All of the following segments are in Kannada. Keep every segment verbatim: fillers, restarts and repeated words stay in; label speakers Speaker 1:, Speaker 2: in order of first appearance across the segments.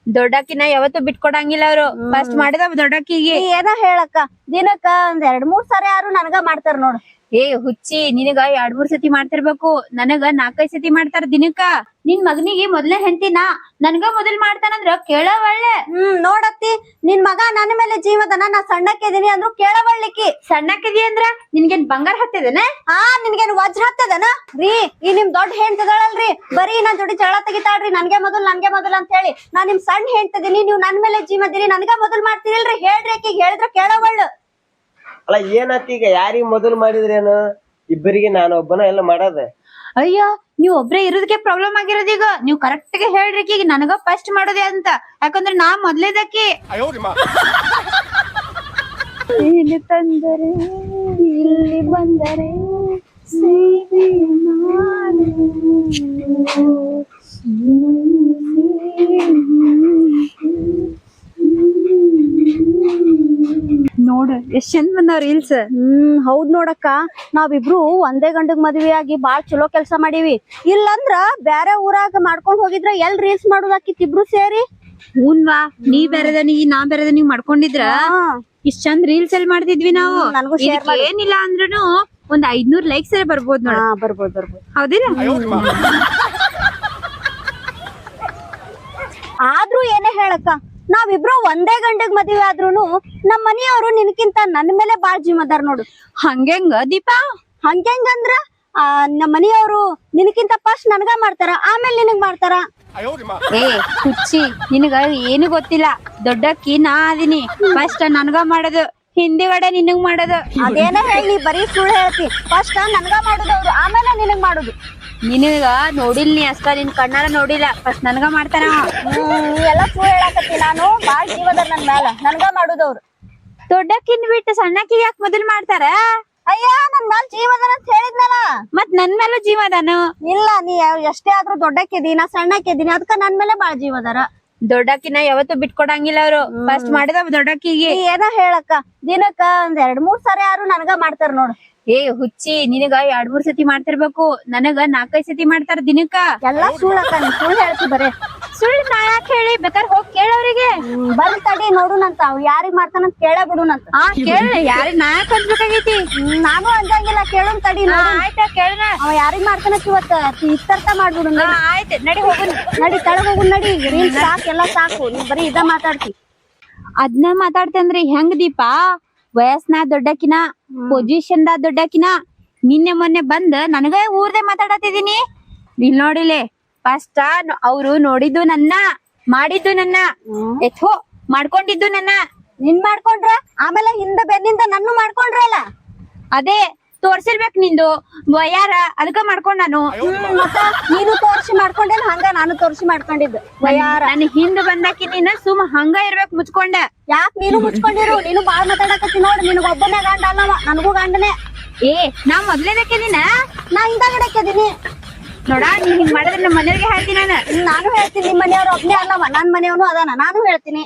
Speaker 1: ದೊಡ್ಡಕ್ಕಿನ ಯಾವತ್ತೂ ಬಿಟ್ಕೊಡಂಗಿಲ್ಲ ಅವ್ರು. ಫಸ್ಟ್ ಮಾಡಿದ ದೊಡ್ಡಕ್ಕಿಗೆ.
Speaker 2: ಏನ ಹೇಳಕ್ಕ, ದಿನಕ್ಕ ಒಂದ್ ಎರಡ್ ಮೂರ್ ಸಾರಿ ಯಾರು ನನಗ ಮಾಡ್ತಾರ ನೋಡು.
Speaker 1: ಏ ಹುಚ್ಚಿ, ನಿನಗ ಎರಡ್ ಮೂರ್ ಸತಿ ಮಾಡ್ತಿರ್ಬೇಕು, ನನಗ ನಾಲ್ಕೈದ್ ಸತಿ ಮಾಡ್ತಾರ ದಿನಕ್ಕ. ನಿನ್ ಮಗನಿಗೆ ಮೊದ್ಲೇ ಹೆಂಡತಿನ ನನ್ಗ ಮೊದಲ್ ಮಾಡ್ತಾನಂದ್ರ ಕೇಳವಳ್ಳೆ.
Speaker 2: ಹ್ಮ್ ನೋಡತ್ತಿ, ನಿನ್ ಮಗ ನನ್ನ ಮೇಲೆ ಜೀವದನ, ನಾ ಸಣ್ಣಕ್ಕಿದೀನಿ ಅಂದ್ರು ಕೇಳವಳ್ಳಿಕ್ಕಿ.
Speaker 1: ಸಣ್ಣಕ್ಕಿದಿ ಅಂದ್ರ ನಿನ್ಗೇನ್ ಬಂಗಾರ ಹತ್ತದನ?
Speaker 2: ಆ ನಿನ್ಗೇನ್ ವಜ್ರ ಹತ್ತದನ ರೀ? ಈ ನಿಮ್ ದೊಡ್ಡ ಹೆಂಡ್ತಿಗಳಲ್ರಿ ಬರೀ ನನ್ ಜೋಡಿ ಜಗಳ ತೆಗಿತಾಳ್ರಿ, ನನ್ಗೆ ಮೊದಲ್ ನನ್ಗೆ ಮೊದಲ್ ಅಂತ ಹೇಳಿ. ನಾ ನಿಮ್ ಸಣ್ಣ ಹೆಂಡ್ತಿದೀನಿ, ನೀವ್ ನನ್ ಮೇಲೆ ಜೀವದಿರಿ, ನನ್ಗ ಮೊದಲ್ ಮಾಡ್ತೀರಿಲ್ರಿ? ಹೇಳ್ರಿ ಆಕಿಗೆ, ಹೇಳಿದ್ರ ಕೇಳವಳ್ಳು.
Speaker 3: ಅಲ್ಲ ಏನತ್ತ ಈಗ, ಯಾರಿಗ್ ಮೊದಲು ಮಾಡಿದ್ರೇನು? ಇಬ್ಬರಿಗೆ ನಾನು ಒಬ್ಬನ ಎಲ್ಲ ಮಾಡದ.
Speaker 1: ಅಯ್ಯ, ನೀವ್ ಒಬ್ರೇ ಇರೋದಕ್ಕೆ ಪ್ರಾಬ್ಲಮ್ ಆಗಿರೋದು. ಈಗ ನೀವ್ ಕರೆಕ್ಟ್ ಗೆ ಹೇಳ್ರಿ ಈಗ ನನಗ ಫಸ್ಟ್ ಮಾಡೋದೇ ಅಂತ, ಯಾಕಂದ್ರೆ ನಾ ಮೊದ್ಲೇದಕ್ಕೆ. ಇಲ್ಲಿ ತಂದರೆ ಇಲ್ಲಿ ಬಂದರೆ ನೋಡ ಎಷ್ಟ್ ಚಂದ ಬಂದಾವ ರೀಲ್ಸ್.
Speaker 2: ಹ್ಮ್ ಹೌದ್ ನೋಡಕ್ಕ, ನಾವಿಬ್ರು ಒಂದೇ ಗಂಡಗ್ ಮದ್ವೆ ಆಗಿ ಬಾಳ್ ಚಲೋ ಕೆಲ್ಸ ಮಾಡೀವಿ. ಇಲ್ಲಂದ್ರ ಬ್ಯಾರೆ ಊರಾಗ ಮಾಡ್ಕೊಂಡ್ ಹೋಗಿದ್ರ ಎಲ್ ರೀಲ್ಸ್ ಮಾಡೋದಾಕಿತ್ ಇಬ್ರು ಸೇರಿ.
Speaker 1: ಹೂನ್ವಾ, ನೀ ಬೇರೆದನಿ ನಾ ಬೇರೆದನಿ ಮಾಡ್ಕೊಂಡಿದ್ರ ಇಷ್ಟ್ ಚಂದ ರೀಲ್ಸ್ ಎಲ್ಲಿ ಮಾಡ್ತಿದ್ವಿ ನಾವು. ಏನಿಲ್ಲ ಅಂದ್ರೂ ಒಂದ್ ಐದ್ನೂರ್ ಲೈಕ್ಸ್ ಬರ್ಬೋದು ನೋಡ.
Speaker 2: ಬರ್ಬೋದು ಬರ್ಬೋದು
Speaker 1: ಹೌದಿಲ್ಲ?
Speaker 2: ಆದ್ರೂ ಏನೇ ಹೇಳಕ್ಕ, ನಾವಿಬ್ರು ಒಂದೇ ಗಂಡಗ್ ಮದ್ವೆ ಆದ್ರೂನು ನಮ್ ಮನೆಯವರು ನಿನಕಿಂತ ನನ್ ಮೇಲೆ ಬಾಳ್ ಜೀವದಾರ್ ನೋಡು.
Speaker 1: ಹಂಗೆಂಗ ದೀಪಾ?
Speaker 2: ಹಂಗೆಂಗಂದ್ರ ಆ ನಮ್ ಮನೆಯವರು ನಿನಕಿಂತ ಫಸ್ಟ್ ನನ್ಗ ಮಾಡ್ತಾರ, ಆಮೇಲೆ ನಿನಗ್ ಮಾಡ್ತಾರ.
Speaker 1: ಏ ಹುಚ್ಚಿ, ನಿನಗ ಏನು ಗೊತ್ತಿಲ್ಲ. ದೊಡ್ಡಕ್ಕಿ ನಾ ಅದೀನಿ, ಫಸ್ಟ್ ನನ್ಗ ಮಾಡೋದು, ಹಿಂದಿಗಡೆ ನಿನಗ್ ಮಾಡೋದು.
Speaker 2: ಅದೇನ ಹೇಳಿ, ಬರೀ ಸುಳ್ಳು ಹೇಳ್ತಿ. ಫಸ್ಟ್ ನನ್ಗ ಮಾಡುದವ್ರು, ಆಮೇಲೆ ನಿನಗ್ ಮಾಡುದು.
Speaker 1: ನಿನಗ ನೋಡಿಲ್ ನೀ ಅಷ್ಟ, ನಿನ್ ಕಣ್ಣಾರ ನೋಡಿಲ್ಲ, ಫಸ್ಟ್ ನನ್ಗ ಮಾಡ್ತಾನ.
Speaker 2: ಹ್ಮ್ ನೀ ಎಲ್ಲಾ ಸುಳ್ಳು ಹೇಳಕತ್ತಿ. ನಾನು ಬಾಳ್ ಜೀವದ ನನ್ ಮ್ಯಾಲ, ನನ್ಗ ಮಾಡುದವ್ರು.
Speaker 1: ದೊಡ್ಡಕ್ಕಿನ್ ಬಿಟ್ಟು ಸಣ್ಣಕ್ಕಿ ಯಾಕೆ ಮೊದಲ್ ಮಾಡ್ತಾರ?
Speaker 2: ಅಯ್ಯ, ನನ್ ಮ್ಯಾಲ ಜೀವದನ ಅಂತ ಹೇಳಿದ್ನಲ್ಲ.
Speaker 1: ಮತ್ ನನ್ ಮೇಲೂ ಜೀವ ಅದಾನು.
Speaker 2: ಇಲ್ಲ, ನೀ ಎಷ್ಟೇ ಆದ್ರೂ ದೊಡ್ಡಕ್ಕಿದಿ, ನಾ ಸಣ್ಣಕ್ಕಿದೀನಿ, ಅದಕ್ಕ ನನ್ ಮೇಲೆ ಬಾಳ್ ಜೀವದಾರ.
Speaker 1: ದೊಡ್ಡಕ್ಕಿನ ಯಾವತ್ತೂ ಬಿಟ್ಕೊಡಂಗಿಲ್ಲ ಅವ್ರು. ಫಸ್ಟ್ ಮಾಡಿದ ದೊಡ್ಡಕ್ಕಿಗೆ.
Speaker 2: ಏನ ಹೇಳಕ್ಕ, ದಿನಕ್ಕ ಒಂದ್ ಎರಡ್ ಮೂರ್ ಸಾರಿ ಯಾರು ನನಗ ಮಾಡ್ತಾರ ನೋಡು.
Speaker 1: ಏ ಹುಚ್ಚಿ, ನಿನಗ ಎರಡ್ ಮೂರ್ ಸತಿ ಮಾಡ್ತಿರ್ಬೇಕು, ನನಗ ನಾಲ್ಕೈದ್ ಸತಿ ಮಾಡ್ತಾರ ದಿನಕ್ಕ.
Speaker 2: ಎಲ್ಲಾ ಸುಳ್ಳಕ್ಕ, ನೀ ಸುಳ್ಳು ಹೇಳ್ತಿ ಬರೇ.
Speaker 1: ಸುಳ್ಳು ನಾ ಯಾಕೆ ಹೇಳಿ? ಬೇಕಾದ್ರೆ ಹೋಗಿ ಕೇಳವ್ರಿಗೆ.
Speaker 2: ಬರ್ಲಿ ತಡಿ ನೋಡುನಂತ, ಅವ್ ಯಾರಿಗ್ ಮಾಡ್ತಾನಂತ ಕೇಳ ಬಿಡುನಂತ.
Speaker 1: ಹಾ ಕೇಳ, ಯಾರಿಗ್ ನಾ ಯಾಕೆ ಅನ್ಸ್ಬೇಕಾಗೈತಿ?
Speaker 2: ನಾನು ಅಂಜಂಗಿಲ್ಲ, ಕೇಳುನ್ ತಡಿ.
Speaker 1: ಆಯ್ತಾ ಕೇಳನ.
Speaker 2: ಅವ ಯಾರಿಗ್ ಮಾಡ್ತಾನಂತ ಇವತ್ತ ಇತ್ತರ್ಥ ಮಾಡ್ಬಿಡು.
Speaker 1: ಆಯ್ತು ನಡಿ ಹೋಗುನ್.
Speaker 2: ನಡಿ ತಳಗ್ ಹೋಗುನ್ ನಡಿ. ರೀಲ್ ಸಾಕ್, ಎಲ್ಲಾ ಸಾಕು, ನೀ ಬರೀ ಇದ ಮಾತಾಡ್ತಿ.
Speaker 1: ಅದ್ನ ಮಾತಾಡ್ತಂದ್ರಿ ಹೆಂಗ್ ದೀಪಾ? ವಯಸ್ನ ದೊಡ್ಡಕಿನ, ಪೊಸಿಷನ್ ದ ದೊಡ್ಡಕಿನ. ನಿನ್ನೆ ಮೊನ್ನೆ ಬಂದ್ ನನಗ ಊರ್ದೆ ಮಾತಾಡತಿದೀನಿ. ಇಲ್ ನೋಡಿಲೆ, ಫಸ್ಟ್ ಅವ್ರು ನೋಡಿದ್ದು ನನ್ನ, ಮಾಡಿದ್ದು ನನ್ನ, ಎಥೋ ಮಾಡ್ಕೊಂಡಿದ್ದು ನನ್ನ.
Speaker 2: ನಿನ್ ಮಾಡ್ಕೊಂಡ್ರ ಆಮೇಲೆ ಹಿಂದ ಬೆನ್ನಿಂದ ನನ್ನ ಮಾಡ್ಕೊಂಡ್ರಲ್ಲ.
Speaker 1: ಅದೇ ತೋರ್ಸಿರ್ಬೇಕ್ ನಿಂದು ವಯಾರ, ಅದಕ್ಕ ಮಾಡ್ಕೊಂಡ್ ನಾನು.
Speaker 2: ಮತ್ತ ನೀನು ತೋರ್ಸಿ ಮಾಡ್ಕೊಂಡೇನ? ಹಂಗ ನಾನು ತೋರ್ಸಿ ಮಾಡ್ಕೊಂಡಿದ್ದು ವಯಾರ.
Speaker 1: ನನ್ ಹಿಂದ್ ಬಂದಾಕಿ ನೀನ್ ಸುಮ್ ಹಂಗ ಇರ್ಬೇಕ್ ಮುಚ್ಕೊಂಡ.
Speaker 2: ಯಾಕ್ ನೀನು ಮುಚ್ಕೊಂಡಿರು? ನೀನು ಬಾಳ್ ಮಾತಾಡಕತ್ತಿ ನೋಡ್. ನಿನಗ ಒಬ್ಬನೇ ಗಂಡ ಅಲ್ಲವ, ನನಗೂ ಗಂಡನೇ.
Speaker 1: ಏ ನಾ ಮೊದ್ಲೇದಕ್ಕೆ ನೀನ,
Speaker 2: ನಾ ಹಿಂದಾಗಡಕ್ಕಿದೀನಿ
Speaker 1: ನೋಡ. ನೀ ಹಿಂಗ್ ಮಾಡಿದ್ರೆ ನಮ್ಮ ಮನೆಯವ್ರಿಗೆ ಹೇಳ್ತೀನಿ ನಾನು.
Speaker 2: ನಾನು ಹೇಳ್ತೀನಿ, ನಿಮ್ ಮನೆಯವ್ರು ಒಬ್ನೇ ಅಲ್ಲವ, ನನ್ ಮನೆಯವನು ಅದಾನ, ನಾನು ಹೇಳ್ತೀನಿ.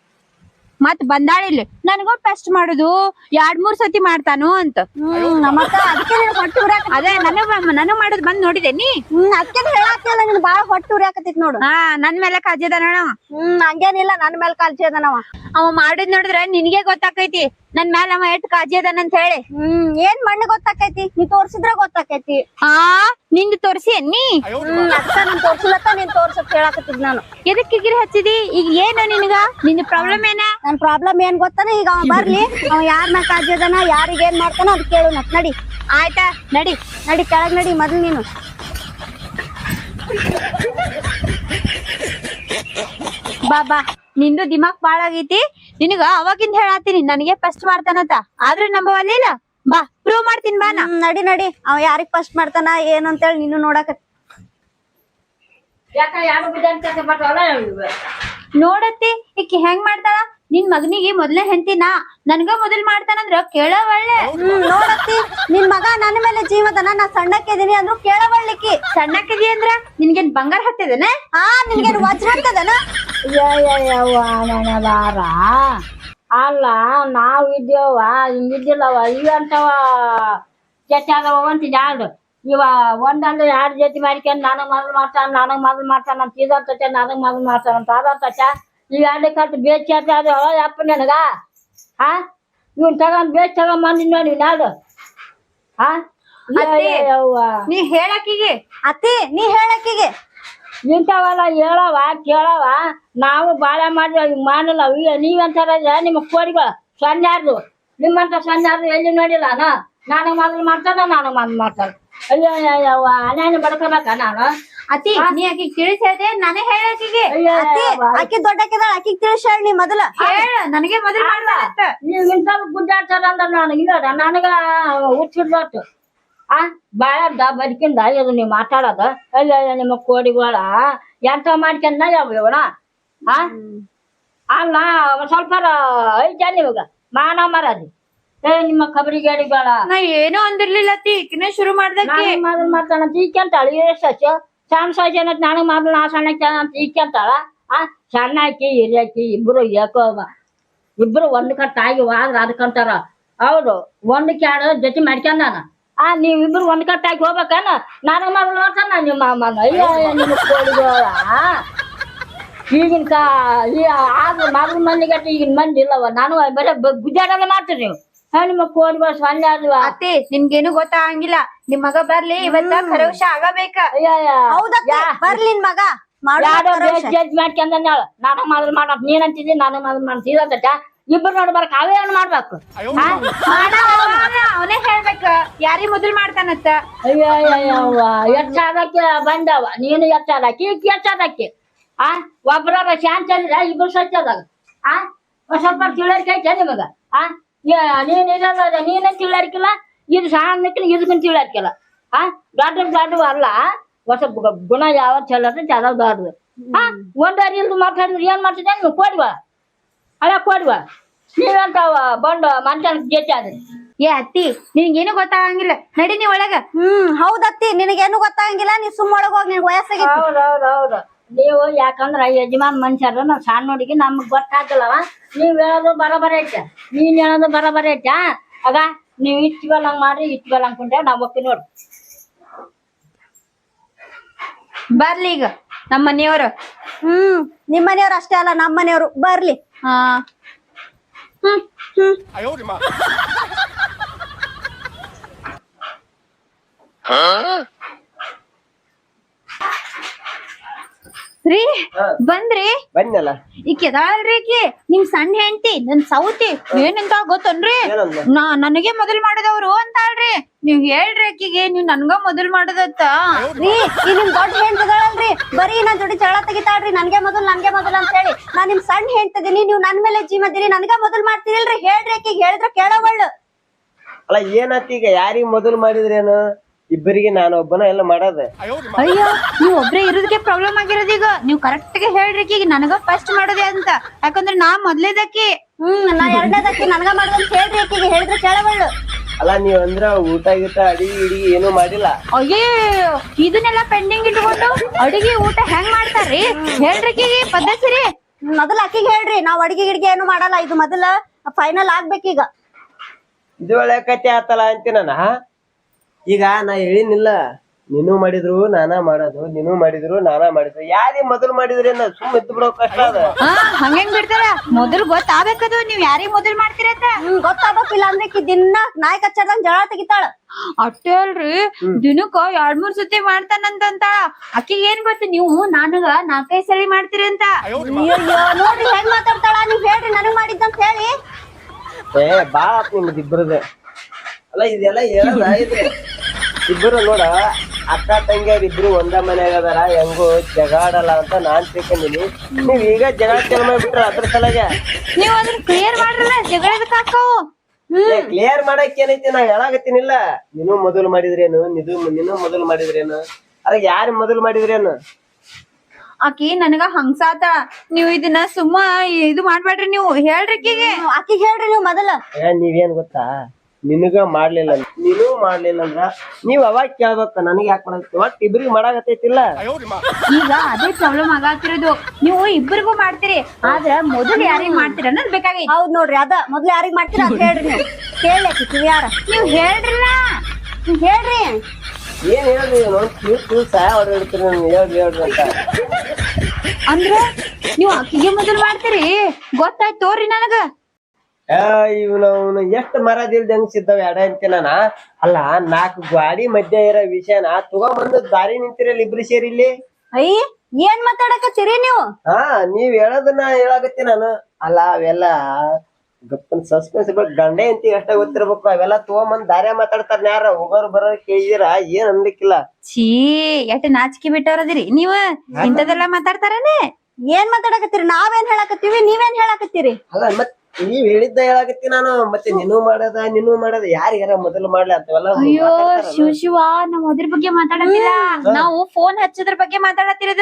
Speaker 1: ಮತ್ ಬಂದಾಳಿಲ್ಲ ನನಗೂ ಪೆಸ್ಟ್ ಮಾಡುದು ಎರಡ್ ಮೂರ್ ಸತಿ ಮಾಡ್ತಾನು ಅಂತ.
Speaker 2: ಹ್ಮ್ ಮತ್ತ ಅದಕ್ಕೆ ನೀನು ಹೊಟ್ಟಿ ಉರಿಯಾಕ.
Speaker 1: ಅದೇ ನನಗ್ ನನಗ್ ಮಾಡುದ್ ಬಂದ್ ನೋಡಿದೆ ನೀ.
Speaker 2: ಹ್ಮ್ ಅದಕ್ಕೆ ಹೇಳಾಕ್ತಿಲ್ಲ, ನೀನ್ ಬಾಳ ಹೊಟ್ಟಿ ಉರಿಯಾಕತ್ತಿತ್ ನೋಡು.
Speaker 1: ಹಾ, ನನ್ ಮೇಲೆ ಕಾಜಿ ಅದಾನ.
Speaker 2: ಹ್ಮ್ ಹಂಗೇನಿಲ್ಲ, ನನ್ ಮೇಲೆ ಕಾಳಜಿ ಅದಾನವ.
Speaker 1: ಅವ ಮಾಡುದ್ ನೋಡಿದ್ರ ನಿನ್ಗೆ ಗೊತ್ತಾಕೈತಿ ನನ್ ಮ್ಯಾಲ ಅವ ಎಷ್ಟ್ ಕಾಜಿ ಅದಾನ ಅಂತ ಹೇಳಿ.
Speaker 2: ಹ್ಮ್ ಏನ್ ಮಣ್ಣು ಗೊತ್ತಾಕೈತಿ, ನೀ ತೋರ್ಸಿದ್ರ ಗೊತ್ತಾಕೈತಿ.
Speaker 1: ಆ ನಿಂದು ತೋರ್ಸಿ ನೀ.
Speaker 2: ಹ್ಮ್ ಅಕ್ಕ ನೀನ್ ತೋರ್ಸಿಲ್ಲತ್ತ, ನೀನ್ ತೋರ್ಸಕ್ ಹೇಳಾಕತ್ತಿದ್ ನಾನು.
Speaker 1: ಎದಕ್ ಕಿಗಿರಿ ಹಚ್ಚಿದಿ? ಈಗ ಏನು ನಿನ್ಗ? ನಿಂದ ಪ್ರಾಬ್ಲಮ್ ಏನ?
Speaker 2: ನನ್ ಪ್ರಾಬ್ಲಮ್ ಏನ್ ಗೊತ್ತಾನ? ಈಗ ಅವ ಬರ್ಲಿ, ಅವ ಯಾರ್ ಮ್ಯಾಲ ಕಾಳಜಿ ಅದಾನ, ಯಾರಿಗ ಏನ್ ಮಾಡ್ತಾನ ಅದ್ ಕೇಳು ನತ್. ನಡಿ.
Speaker 1: ಆಯ್ತಾ ನಡಿ
Speaker 2: ನಡಿ ಕೆಳಗ್ ನಡಿ ಮೊದ್ಲು ನೀನು.
Speaker 1: ಬಾ ಬಾ, ನಿಂದು ದಿಮಾಕ್ ಬಾಳ ಆಗೈತಿ. ನಿನಗ ಅವಾಗಿಂದ ಹೇಳಾತೀನಿ ನನಗೆ ಫಸ್ಟ್ ಮಾಡ್ತಾನಂತ, ಆದ್ರೆ ನಂಬವಲ್ಲ. ಬಾ ಪ್ರೂವ್ ಮಾಡ್ತೀನಿ ಬಾ. ನಾ
Speaker 2: ನಡಿ ನಡಿ, ಅವ ಯಾರಿಗ್ ಫಸ್ಟ್ ಮಾಡ್ತಾನ ಏನಂತೇಳಿ ನೀನು ನೋಡಕ.
Speaker 1: ನೋಡತ್ತಿ ಈಕಿ ಹೆಂಗ್ ಮಾಡ್ತಾಳ. ನಿನ್ ಮಗನಿಗೆ ಮೊದ್ಲೇ ಹೆಂಡತಿನ ನನ್ಗ ಮೊದಲ್ ಮಾಡ್ತಾನಂದ್ರ ಕೇಳವಳ್ಳೆ.
Speaker 2: ಹ್ಮ್ ನೋಡತ್ತಿ, ನಿನ್ ಮಗ ನನ್ನ ಮೇಲೆ ಜೀವದನ, ನಾ ಸಣ್ಣಕ್ಕಿದೀನಿ ಅಂದ್ರು ಕೇಳವಳ್ಳಿಕ್ಕಿ.
Speaker 1: ಸಣ್ಣಕ್ಕಿದಿ ಅಂದ್ರ ನಿನ್ಗೇನ್ ಬಂಗಾರ ಹತ್ತದನ?
Speaker 2: ಆ ನಿನ್ಗೇನ್ ವಜ್ರ ಹತ್ತದನ?
Speaker 4: ಬಾರ ಅಲ್ಲ, ನಾವ್ ಇದ್ದೇವ ಹಿಂಗಿದ್ದಿಲ್ಲವ. ಇವಂತವ ಜೊತೆ ಆದವ ಅಂತ ಯಾರು ಇವ ಒಂದಂದ್ರೆ ಎರಡು ಜೊತೆ ಮಾಡ್ಕೊಂಡ್ ನನಗ್ ಮೊದಲು ಮಾಡ್ತಾನ, ನನಗ್ ಮೊದಲು ಮಾಡ್ತಾನ ಅಂತ. ಇದಂತ ನನಗ್ ಮೊದಲು ಮಾಡ್ತಾನಂತ, ಅದಂತ ಈ ಎರಡೇ ಕಟ್ಟು ಬೇಚ್ ಅದು ಅಪ್ಪ ನನಗ ಹಾ ಇವ್ನ ತಗೊಂಡ್ ಬೇಚ್ ತಗೊಂಡ್ ಬಂದಿದ್ ನೋಡಿ ನಾಡು ಹಾ
Speaker 1: ಅತ್ತೆ.
Speaker 4: ಯವ್ವ
Speaker 1: ನೀ ಹೇಳಕ್ಕಿಗೆ
Speaker 2: ಅತ್ತಿ ನೀ ಹೇಳಕ್ಕಿಗೆ
Speaker 4: ಇಂಥವೆಲ್ಲ ಹೇಳವ ಕೇಳವ ನಾವು ಬಾಳೆ ಮಾಡಿದ್ವಿ ಹಿಂಗ್ ಮಾಡಿಲ್ಲ ಅಯ್ಯೋ ನೀವಂತಾರ ನಿಮ್ಮ ಕೋಡಿಗಳು ಸೊನ್ಯಾರ್ದು ನಿಮ್ಮಂತ ಸೊನ್ಯಾರ್ದು ಎಲ್ಲಿ ನೋಡಿಲ್ಲ ನಾ ನಾನು ಮೊದಲು ಮಾಡ್ತಾನ ನಾನು ಮೊದ್ಲು ಮಾಡ್ತಾನೆ ಅಯ್ಯೋ ಅಯ್ಯವ್ವ ಅನೇನು ಬಡ್ಕೋಬೇಕ ನಾನು
Speaker 1: ಅತಿ ನೀ ಆಕಿಗೆ ತಿಳಿಸಿ ಹೇಳ್ದೆ ನಾನೇ ಹೇಳಕ್ಕಿಗೆ
Speaker 4: ಅಯ್ಯೋ
Speaker 2: ಅತ್ತಿ ಆಕಿ ದೊಡ್ಡಕ್ಕಿದಾಳ ಆಕಿಗ್ ತಿಳಿಸ್ ಹೇಳ ನೀ ಮೊದಲ
Speaker 1: ಹೇಳ ನನಗೆ ಮೊದಲು ಮಾಡ್ಬಾರತ್ತ
Speaker 4: ನೀವು ಇಂಥ ಗುಡ್ಡಾಡ್ತಾರ ಅಂದ್ರ ನಾನು ಇಲ್ಲ ನನಗ ಹುಚ್ಚಿಡ್ಬಾರ್ದು ಆ ಬಾಳದ ಬದುಕಿಂದ ಇದು ನೀವು ಮಾತಾಡೋದು ಅಯ್ಯೋ ನಿಮ್ಮ ಕೋಡಿಗಳ ಎಂತ ಮಾಡ್ಕೊಂಡ ಯಾವ ಇವಣ ಆ ಅಲ್ಲ ಒಂದ್ ಸ್ವಲ್ಪ ಐತೆ ನಿಮಗ ಮಾನ ಮರದಿ ಏ ನಿಮ್ಮ ಕಬರಿ ಗಾಡಿಗಳ
Speaker 1: ನಾ ಏನೋ ಅಂದಿರ್ಲಿಲ್ಲ ಅತಿ ಈಕಿನ ಶುರು ಮಾಡ್ದಕ್ಕೆ
Speaker 4: ಮೊದಲು ಮಾಡ್ತಾನ ಈಕೆಂತಾಳ ಎಷ್ಟು ಸಣ್ಣ ಸಣ್ಣ ಏನತ್ ನನಗ್ ಮೊದಲು ನಾ ಸಣ್ಣಕ್ಕೆ ಅಂತ ಈಕೆಂತಾಳ ಆ ಸಣ್ಣ ಹಾಕಿ ಹಿರಿಯಾಕಿ ಇಬ್ರು ಯಾಕೋ ಇಬ್ರು ಒಂದ್ ಕಟ್ಟ ಆಗಿ ಆದ್ರ ಅದಕ್ಕಂತಾರ ಹೌದು ಒಂದ್ ಕ್ಯಾಡ ಜೊತೆ ಮಾಡ್ಕೊಂಡಾನ ಆ ನೀವಿಬ್ರು ಒಂದ್ ಕಟ್ಟಾಗಿ ಹೋಗ್ಬೇಕೇನ ನನಗ್ ಮೊದಲು ನೋಡ್ತಾನ ನಿಮ್ಮ ಅಮ್ಮನ ಅಯ್ಯೋ ನಿಮ್ಮ ಕೋಡಿಗಳ ಈಗಿನ ಕಾ ಈ ಆಗ ಮೊದಲು ಮಂದಿಗಟ್ಟ ಈಗಿನ ಮಂದಿ ಇಲ್ಲವ ನಾನು ಬರೀ ಗುಜ್ಜಾಡಲ್ಲ ಮಾಡ್ತೀರಿ ನೀವು ಹಾ ನಿಮ್ಮ ಕೋಡಿಗಳು ಸೊನ್ನೆ ಆದ್ವ
Speaker 1: ಅತಿ ನಿಮ್ಗೇನು ಗೊತ್ತಾಗಂಗಿಲ್ಲ ನಿಮ್ ಮಗ ಬರ್ಲಿ ಇವತ್ತ ಖರವಶ ಆಗಬೇಕ
Speaker 4: ಅಯ್ಯ
Speaker 2: ಹೌದತ್ತಿ ಬರ್ಲಿ ನಿನ್ ಮಗ ಮಾಡು
Speaker 4: ಯಾರೋ
Speaker 2: ಭರವಸೆ.
Speaker 4: ಜಡ್ಜ್ ಮಾಡ್ಕೊಂಡ ನಾನು ಮೊದಲು ಮಾಡಕ್ ನೀನ್ ಅಂತಿದ್ದಿ ನಾನು ಮೊದಲು ಮಾಡ್ತೀರ ಇಬ್ರು ನೋಡ್ಬಾರ ಅವೇ ಏನ್ ಮಾಡ್ಬೇಕು
Speaker 1: ಅವನೇ ಹೇಳ್ಬೇಕ ಯಾರಿ ಮೊದಲ್ ಮಾಡ್ತಾನತ್ತ
Speaker 4: ಅಯ್ಯೋ ಅಯ್ಯವ್ವ ಎಚ್ಚಾದಕ್ಕೆ ಬಂದವ ನೀನು ಎಚ್ಚಾದಕ್ಕೆ ಈಗ ಎಚ್ಚಾದಕ್ಕೆ ಆ ಒಬ್ರ ಶಾಂತಿ ಅಂದ್ರೆ ಇಬ್ರು ಸಚ್ಚದಾಗ ಆ ಒಂದ್ ಸ್ವಲ್ಪ ತಿಳರಿಕೆ ಐತೆ ನಿಮಗ ಆ ನೀನ್ ಇರಲ್ಲ ನೀನ ತಿಳರಿಕಿಲ್ಲ ಇದು ಸಣ್ಣಕ್ಕಿಲ್ಲ ಇದಕ್ಕೂ ತಿಳರಿಕಿಲ್ಲ ಆ ದೊಡ್ಡ ದೊಡ್ಡವ ಅಲ್ಲ ಹೊಸ ಗುಣ ಯಾವ ಚಲೋ ಚಲೋ ದೊಡ್ಡದು ಆ ಒಂದಾರಿ ಇಲ್ದು ಮಾತಾಡಿದ್ರೆ ಏನ್ ಮಾಡ್ತಿದ್ದೆ ನೀವು ಕೊಡುವ ಅಲ್ಲ ಕೊಡುವ ನೀವಂತಾವ ಬಂದು ಮನುಷ್ಯನ ಜೊತೆ ಆದ್ರಿ
Speaker 1: ಏ ಅತ್ತಿ ನಿನ್ಗೇನು ಗೊತ್ತಾಗಂಗಿಲ್ಲ ನಡಿ ನೀ ಒಳಗ
Speaker 2: ಹ್ಮ್ ಹೌದತ್ತಿ ನಿನಗೇನು ಗೊತ್ತಾಗಂಗಿಲ್ಲ ನೀ ಸುಮ್ಮ ಒಳಗ್ ಹೋಗಿ ನಿನ್ ವಯಸ್ಸಾಗೈತಿ
Speaker 4: ಹೌದೌದೌದು ನೀವು ಯಾಕಂದ್ರ ಯಜಮಾನ್ ಮನುಷ್ಯರು ನಾವ್ ಸಣ್ಣ ನೋಡಿಗೆ ನಮ್ಗ್ ಗೊತ್ತಾಗಲ್ಲವ ನೀವ್ ಹೇಳೋದು ಬರೋಬರ ಐತೆ ನೀನ್ ಹೇಳೋದು ಬರೋಬರ ಐತೆ ಆಗ ನೀವ್ ಇಟ್ಕೊಳಂಗ್ ಮಾಡ್ರಿ ಇಟ್ಕೊಳಂಗ್ ಕುಂಟೆ ನಾವ್ ಒಪ್ಪಿ ನೋಡ್ರಿ
Speaker 1: ಬರ್ಲಿ ಈಗ ನಮ್ಮ ಮನೆಯವರು
Speaker 2: ಹ್ಮ್ ನಿಮ್ ಮನೆಯವ್ರು ಅಷ್ಟೇ ಅಲ್ಲ ನಮ್ ಮನೆಯವ್ರು ಬರ್ಲಿ
Speaker 1: ಹಾ ಹ್ಮ್ ಹ್ಮ್ ರೀ ಬಂದ್ರಿ
Speaker 3: ಬಂದ್ನಲ್ಲ
Speaker 1: ಈ ಕೆದಾಳ್ರಿ ಈಕಿ ನಿಮ್ ಸಣ್ಣ ಹೆಂಡತಿ ನನ್ ಸೌತಿ ಏನಂತ ಗೊತ್ತನ್ರಿ
Speaker 3: ಏನಂದ?
Speaker 1: ನಾ ನನಗೆ ಮೊದಲ್ ಮಾಡದವ್ರು ಅಂತಾಳ್ರಿ ನೀವ್ ಹೇಳ್ರಿ ಆಕಿಗೆ ನೀವ್ ನನ್ಗ ಮೊದಲ್ ಮಾಡದತ್ತ
Speaker 2: ರೀ ಈ ನಿಮ್ ದೊಡ್ಡ ಹೆಣ್ತಿದಾಳಲ್ರಿ ಬರೀ ನನ್ ಜೋಡಿ ಜಗಳ ತೆಗಿತಾಳ್ರಿ ನನ್ಗೆ ಮೊದಲ್ ನನ್ಗೆ ಮೊದಲ್ ಅಂತ ಹೇಳಿ ನಾ ನಿಮ್ ಸಣ್ಣ ಹೆಣ್ತಿದೀನಿ ನೀವ್ ನನ್ ಮೇಲೆ ಜೀಮದಿರಿ ನನ್ಗ ಮೊದಲ್ ಮಾಡ್ತೀರಿಲ್ರಿ ಹೇಳ್ರಿ ಆಕಿಗೆ ಹೇಳಿದ್ರ ಕೇಳವಳ್ಳು
Speaker 3: ಅಲ್ಲ ಏನತ್ ಈಗ ಯಾರಿಗ್ ಮೊದಲು ಮಾಡಿದ್ರೇನು ಇಬ್ಬರಿಗೆ ನಾನು ಒಬ್ಬನ ಎಲ್ಲ ಮಾಡೋದ
Speaker 1: ಅಯ್ಯೋ ನೀವ್ ಒಬ್ರೇ ಇರೋದಕ್ಕೆ ಪ್ರಾಬ್ಲಮ್ ಆಗಿರೋದು ಈಗ ನೀವ್ ಕರೆಕ್ಟ್ ಗೆ ಹೇಳ್ರಿ ಈಗ ನನಗ ಫಸ್ಟ್ ಮಾಡೋದೇ ಅಂತ ಯಾಕಂದ್ರೆ ನಾ ಮೊದ್ಲೇದಕ್ಕಿ
Speaker 2: ಹ್ಮ್ ನಾ ಎರಡನೇದಕ್ಕೆ ನನ್ಗ ಮಾಡ್ದಂತ ಹೇಳ್ರಿ ಆಕಿಗೆ ಹೇಳಿದ್ರ ಕೇಳವಳ್ಳು
Speaker 3: ಅಲ್ಲ ನೀವ್ ಅಂದ್ರ ಊಟ ಗೀಟ ಅಡಿಗೆ ಇಡಿಗೆ ಏನು ಮಾಡಿಲ್ಲ
Speaker 1: ಅಯ್ಯೇ ಇದನ್ನೆಲ್ಲ ಪೆಂಡಿಂಗ್ ಇಟ್ಕೊಂಡು ಅಡಿಗೆ ಊಟ ಹೆಂಗ್ ಮಾಡ್ತಾರ್ರಿ ಹೇಳ್ರಿ ಆಕಿಗೆ ಪದ್ಧತಿ ರೀ
Speaker 2: ಮೊದಲ ಆಕಿಗೆ ಹೇಳ್ರಿ ನಾವ್ ಅಡಿಗೆ ಗಿಡಿಗೆ ಏನು ಮಾಡಲ್ಲ ಇದು ಮೊದಲ ಫೈನಲ್ ಆಗ್ಬೇಕೀಗ
Speaker 3: ಇದು ಒಳ್ಳೆ ಕತೆ ಆತಲ್ಲ ಅಂತೀನ ಈಗ ನಾ ಹೇಳಿನಿಲ್ಲ ನೀನು ಮಾಡಿದ್ರು ನಾನಾ ಮಾಡೋದು ನೀನು ಮಾಡಿದ್ರು ನಾನಾ ಮಾಡಿದ್ರು ಯಾರಿಗೆ ಮೊದಲು ಮಾಡಿದ್ರೇನ ಸುಮ್ ಇದ್ದು ಬಿಡೋ ಕಷ್ಟ ಅದ
Speaker 1: ಹಾ ಹಂಗಂಗ್ ಬಿಡ್ತಾರ ಮೊದಲು ಗೊತ್ತಾಗಬೇಕದು ನೀವ್ ಯಾರಿಗ್ ಮೊದಲ್ ಮಾಡ್ತೀರಂತ
Speaker 2: ಹ್ಮ್ ಗೊತ್ತಾಗ್ಬೇಕಿಲ್ಲ ಅಂದ್ರೆ ಆಕಿ ದಿನ ನಾಯಿ ಕಚ್ಚದಂಗ್ ಜಗಳ ತೆಗಿತಾಳ
Speaker 1: ಅಷ್ಟೇ ಅಲ್ರಿ ದಿನಕ್ಕ ಎರಡ್ ಮೂರ್ ಸತಿ ಮಾಡ್ತಾನಂತ ಅಕ್ಕಿಗೆ ಏನ್ ಗೊತ್ತ ನೀವು ನನಗ ನಾಲ್ಕೈದ್ ಸಲಿ ಮಾಡ್ತೀರಿ ಅಂತ
Speaker 2: ಅಯ್ಯೋ ನೋಡ್ರಿ ಹೆಂಗ್ ಮಾತಾಡ್ತಾಳ ನೀವ್ ಹೇಳ್ರಿ ನನಗ್ ಮಾಡಿದ್ದಂತ ಹೇಳಿ
Speaker 3: ಏ ಬಾಳ ಆತ್ ನಿಮ್ದು ಇಬ್ಬರದ ಅಲ್ಲ ಇದೆಲ್ಲ ಹೇಳದ ಇದು ಇಬ್ಬರು ನೋಡ ಅಕ್ಕ ತಂಗಿಯರ್ ಇಬ್ರು ಒಂದ ಮನ್ಯಾಗ ಅದಾರ ಹೆಂಗೋ ಜಗಾಡಲ್ಲ ಅಂತ ನಾನ್ ತಿಳ್ಕೊಂಡಿನಿ ನೀವ್ ಈಗ ಜಗಳ ಚಲ ಮಾಡ್ಬಿಟ್ರ ಅದ್ರ ಸಲಗೆ
Speaker 1: ನೀವ್ ಅದನ್ನ ಕ್ಲಿಯರ್ ಮಾಡ್ರಲ್ಲ ಜಗಳದಕ್ಕ ಹಾಕವು
Speaker 3: ಕ್ಲಿಯರ್ ಮಾಡಕ್ ಏನೈತಿ ನಾ ಹೇಳಾಗತ್ತೀನಿಲ್ಲ ನೀನು ಮೊದಲು ಮಾಡಿದ್ರೇನು ನಿದು ನೀನು ಮೊದಲು ಮಾಡಿದ್ರೇನು ಅದ ಯಾರು ಮೊದಲು ಮಾಡಿದ್ರೇನು
Speaker 1: ಆಕಿ ನನಗ ಹಂಗ್ಸಾತ ನೀವ್ ಇದನ್ನ ಸುಮ್ಮ ಇದು ಮಾಡ್ಬೇಡ್ರಿ ನೀವು ಹೇಳ್ರಿ ಆಕಿಗೆ
Speaker 2: ಆಕಿಗೆ ಹೇಳ್ರಿ ನೀವ್ ಮೊದಲ
Speaker 3: ಏ ನೀವೇನ್ ಗೊತ್ತಾ ನಿನಗ ಮಾಡ್ಲಿಲ್ಲ ನೀನು ಮಾಡ್ಲಿಲ್ಲ ಅಂದ್ರ ನೀವ್ ಅವಾಗ ಕೇಳ್ಬೇಕ ನನಗ್ ಯಾಕೆ ಮಾಡಕ್ ಒಟ್ ಇಬ್ರಿಗೆ ಮಾಡಾಕತ್ತೈತಿಲ್ಲ
Speaker 1: ಈಗ ಅದೇ ಪ್ರಾಬ್ಲಮ್ ಆಗತ್ತಿರೋದು ನೀವು ಇಬ್ಬರಿಗೂ ಮಾಡ್ತೀರಿ ಆದ್ರ ಮೊದಲು ಯಾರಿಗ್ ಮಾಡ್ತೀರ ಅನ್ನೋದ್ ಬೇಕಾಗೈತಿ
Speaker 2: ಹೌದ್ ನೋಡ್ರಿ ಅದ ಮೊದ್ಲು ಯಾರಿಗ್ ಮಾಡ್ತೀರ ಅಂತ ಹೇಳ್ರಿ ನೀವು ಕೇಳಿ ಆಕಿ ಯಾರ
Speaker 1: ನೀವ್ ಹೇಳ್ರಿಲ್ಲ
Speaker 2: ನೀವ್ ಹೇಳ್ರಿ
Speaker 3: ಏನ್ ಹೇಳ್ರಿ ನೋಡಿ ತಿಳಿಸ್ ತಿಳಿಸ್ ಹೊಡೆದಿಡ್ತೀರಿ ಹೇಳ್ರಿ ಹೇಳ್ರಿ ಅಂತ
Speaker 1: ಅಂದ್ರ ನೀವ್ ಅಕ್ಕಿಗೆ ಮೊದಲ್ ಮಾಡ್ತೀರಿ ಗೊತ್ತಾಯ್ತು ತೋರಿ ನನಗ.
Speaker 3: ಇವ್ನ ಅವ್ನು ಎಷ್ಟ್ ಮರದಿಲ್ದ ಹೆಂಗ್ಸಿದ್ದಾವ ಎಡ ಅಂತೆ ನಾನ. ಅಲ್ಲ ನಾಲ್ಕು ಗಾಡಿ ಮಧ್ಯ ಇರೋ ವಿಷಯನ ತಗೊಂಬಂದು ದಾರಿ ನಿಂತಿರಲ್ಲ ಇಬ್ರು ಸೇರಿ ಇಲ್ಲಿ.
Speaker 2: ಅಯ್ಯ ಏನ್ ಮಾತಾಡಕತ್ತೀರಿ ನೀವು?
Speaker 3: ಹಾ ನೀವ್ ಹೇಳೋದನ್ನ ಹೇಳಾಕತ್ತಿ ನಾನು. ಅಲ್ಲ ಅವೆಲ್ಲ ಗಪ್ಪನ್ ಸಸ್ಪೆನ್ಸ್ ಗಂಡೆ ಅಂತ ಅಷ್ಟ ಗೊತ್ತಿರ್ಬೇಕು. ಅವೆಲ್ಲ ತಗೊಂಬಂದ್ ದಾರ್ಯ ಮಾತಾಡ್ತಾರ ಯಾರ ಹೋಗೋರು ಬರೋರ್ ಕೇಳಿದಿರ ಏನ್ ಅನ್ಲಿಕ್ಕಿಲ್ಲ.
Speaker 1: ಛೀ ಎಷ್ಟ್ ನಾಚಿಕೆ ಬಿಟ್ಟವ್ರದಿರಿ ನೀವ್ ಇಂಥದೆಲ್ಲ ಮಾತಾಡ್ತಾರನೆ.
Speaker 2: ಏನ್ ಮಾತಾಡಕತ್ತೀರಿ? ನಾವೇನ್ ಹೇಳಕತ್ತೀವಿ ನೀವೇನ್ ಹೇಳಕತ್ತೀರಿ?
Speaker 3: ಅಲ್ಲ ಮತ್ ನೀವ್ ಹೇಳಿದ್ದ ಹೇಳಾಕತ್ತಿ ನಾನು. ಮತ್ತೆ ನೀನು ಮಾಡದ ನೀನು ಮಾಡದ ಯಾರಿಗಾರ ಮೊದಲು ಮಾಡ್ಲಿ ಅಂತವೆಲ್ಲ
Speaker 1: ಅಯ್ಯೋ ಶಿವ ಶಿವ ನಾವ್ ಅದ್ರ ಬಗ್ಗೆ ಮಾತಾಡತ್ತಿಲ್ಲ, ನಾವು ಫೋನ್ ಹಚ್ಚೋದ್ರ ಬಗ್ಗೆ ಮಾತಾಡತ್ತಿರೋದು.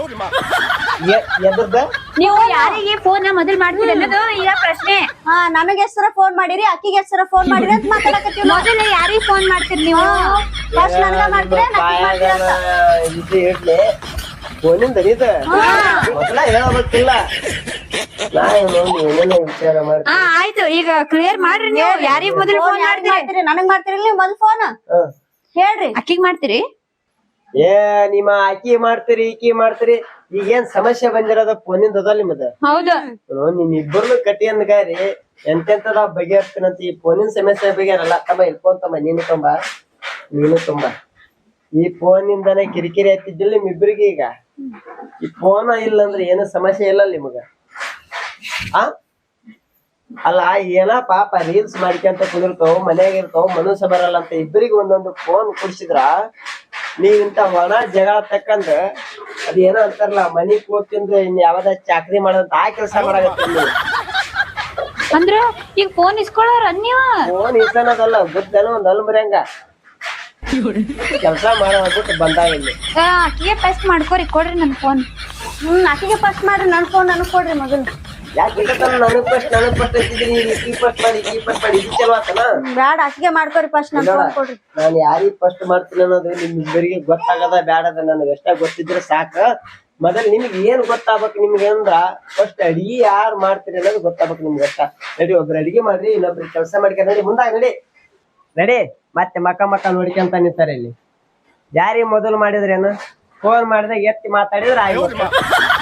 Speaker 3: ಎದ್ರದ
Speaker 1: ನೀವು ಯಾರಿಗೆ ಫೋನ್ ಮೊದಲ್ ಮಾಡ್ತೀರಿ ಅನ್ನೋದು ಈಗ ಪ್ರಶ್ನೆ.
Speaker 2: ಹಾ ನನಗೆ ಹೆಸರ ಫೋನ್ ಮಾಡಿರಿ, ಅಕ್ಕಿಗೆ ಹೆಸರ ಫೋನ್ ಮಾಡಿರಿ ಅಂತ ಮಾತಾಡಕತ್ತೀವಿ.
Speaker 1: ಮೊದಲ ಯಾರಿಗ್ ಫೋನ್ ಮಾಡ್ತೀರಿ ನೀವು?
Speaker 2: ಫಸ್ಟ್ ನನ್ಗ ಮಾಡ್ತೀರಿ
Speaker 3: ಇದು ಇಡ್ಲಿ ಫೋನಿಂದ ಇದ ಮೊದಲ ಹೇಳಬೇಕಿಲ್ಲ. ನಾ ಏನೇನೋ ವಿಚಾರ ಮಾಡ್ತೀನಿ.
Speaker 1: ಹಾ ಆಯ್ತು ಈಗ ಕ್ಲಿಯರ್ ಮಾಡ್ರಿ ನೀವು ಯಾರಿಗ್ ಮೊದಲ್ ಫೋನ್ ಮಾಡ್ತೀರಿ?
Speaker 2: ನನಗ್ ಮಾಡ್ತೀರಿ ನೀವು ಮೊದಲ್ ಫೋನ್ ಹೇಳ್ರಿ.
Speaker 1: ಅಕ್ಕಿಗ್ ಮಾಡ್ತೀರಿ?
Speaker 3: ಏ ನಿಮ್ಮ ಆಕಿ ಮಾಡ್ತೀರಿ ಈಕಿ ಮಾಡ್ತೀರಿ ಈಗೇನ್ ಸಮಸ್ಯೆ ಬಂದಿರೋದ ಫೋನಿಂದ ಅದ ನಿಮ್ಮದ.
Speaker 1: ಹೌದು
Speaker 3: ನಿಮ್ ಇಬ್ಬರನ್ನು ಕಟ್ಟಿ ಅಂದ್ಗಾರಿ ಎಂತೆಂತದ ಬಗೆಹರ್ತೀನಂತ ಈ ಫೋನಿನ ಸಮಸ್ಯೆ ಬಗೆಹರಲ್ಲ. ತಮ್ಮ ಇಲ್ಲಿ ಫೋನ್ ತಮ್ಮ ನೀನು ತುಂಬ ನೀನು ತುಂಬ ಈ ಫೋನಿಂದಾನೆ ಕಿರಿಕಿರಿ ಆಯ್ತಿದ್ದಿಲ್ಲ ನಿಮ್ಮಿಬ್ಬರಿಗೆ. ಈಗ ಈ ಫೋನ್ ಇಲ್ಲ ಅಂದ್ರೆ ಏನು ಸಮಸ್ಯೆ ಇಲ್ಲ ನಿಮಗ. ಆ ಅಲ್ಲ ಏನ ಪಾಪ ರೀಲ್ಸ್ ಮಾಡ್ಕೊಂತ ಕುದಿರ್ತಾವ ಮನ್ಯಾಗ ಇರ್ತಾವ ಮನಸ್ಸು ಬರಲ್ಲ ಅಂತ ಇಬ್ಬರಿಗೆ ಒಂದೊಂದು ಫೋನ್ ಕುಡ್ಸಿದ್ರ ನೀವ್ ಇಂತ ಒಣ ಜಗಳ ತಕ್ಕಂದ್ರ ಅದ್ ಏನೋ ಅಂತಾರಲ್ಲ ಮನಿ ಕೂತಿಂದ್ರೆ ಇನ್ ಯಾವ್ದ ಚಾಕ್ರಿ ಮಾಡೋದಂತ ಆ ಕೆಲಸ ಮಾಡಾಕತ್ತೀರಿ ನೀವು.
Speaker 1: ಅಂದ್ರ ಈಗ ಫೋನ್ ಇಸ್ಕೊಳ್ಳೋರ ನೀವ?
Speaker 3: ಫೋನ್ ಇಸನದಲ್ಲ ಬುದ್ಧನ ಒಂದ್ ಅಲ್ಮರ್ಯಂಗ ಕೆಲಸ ಮಾಡೋದ್ಬಿಟ್ಟು ಬಂದಾಗ ಇಲ್ಲಿ
Speaker 1: ಅಕ್ಕಿಗೆ ಫಸ್ಟ್ ಮಾಡ್ಕೋರಿ ಕೊಡ್ರಿ ನನ್ ಫೋನ್.
Speaker 2: ಹ್ಮ್ ಅಕ್ಕಿಗೆ ಫಸ್ಟ್ ಮಾಡ್ರಿ, ನನ್ ಫೋನ್ ನನಗ್ ಕೊಡ್ರಿ ಮೊದಲು.
Speaker 3: ಯಾಕೆ ನನಗ್ ಫಸ್ಟ್ ನನಗ್ ಫಸ್ಟ್ ಹಚ್ಚಿದ್ರಿ ಈ ಫಸ್ಟ್ ಮಾಡಿ ಈ ಫಸ್ಟ್ ಮಾಡಿ ಇದು ಚಲೋ ಆತನ?
Speaker 2: ಬ್ಯಾಡ ಅಕ್ಕಿಗೆ ಮಾಡ್ಕೋರಿ ಫಸ್ಟ್ ನನ್ ಫೋನ್ ಕೊಡ್ರಿ.
Speaker 3: ನಾನು ಯಾರಿಗ್ ಫಸ್ಟ್ ಮಾಡ್ತೀನಿ ಅನ್ನೋದು ನಿಮ್ ಇಬ್ಬರಿಗೆ ಗೊತ್ತಾಗದ ಬ್ಯಾಡದ ನನಗೆ ಎಷ್ಟ ಗೊತ್ತಿದ್ರೆ ಸಾಕ. ಮೊದಲ್ ನಿಮ್ಗೆ ಏನ್ ಗೊತ್ತಾಗ್ಬೇಕು ನಿಮ್ಗೆ ಅಂದ್ರ ಫಸ್ಟ್ ಅಡಿಗೆ ಯಾರು ಮಾಡ್ತೀರಿ ಅನ್ನೋದು ಗೊತ್ತಾಗ್ಬೇಕು ನಿಮ್ಗೆ ಅಷ್ಟ. ನಡಿ ಒಬ್ರು ಅಡಿಗೆ ಮಾಡ್ರಿ ಇನ್ನೊಬ್ರು ಕೆಲಸ ಮಾಡ್ಕೊಂಡ್ ನಡಿ ಮುಂದಾಗ ನಡಿ ನಡಿ. ಮತ್ತೆ ಮಕ್ಕ ಮಕ್ಕ ನೋಡ್ಕೊಂತ ನಿಂತಾರೆ ಇಲ್ಲಿ. ಯಾರಿಗೆ ಮೊದಲು ಮಾಡಿದ್ರೇನು ಫೋನ್ ಮಾಡಿದಾಗ ಎತ್ತಿ ಮಾತಾಡಿದ್ರೆ ಆಯ್ತು.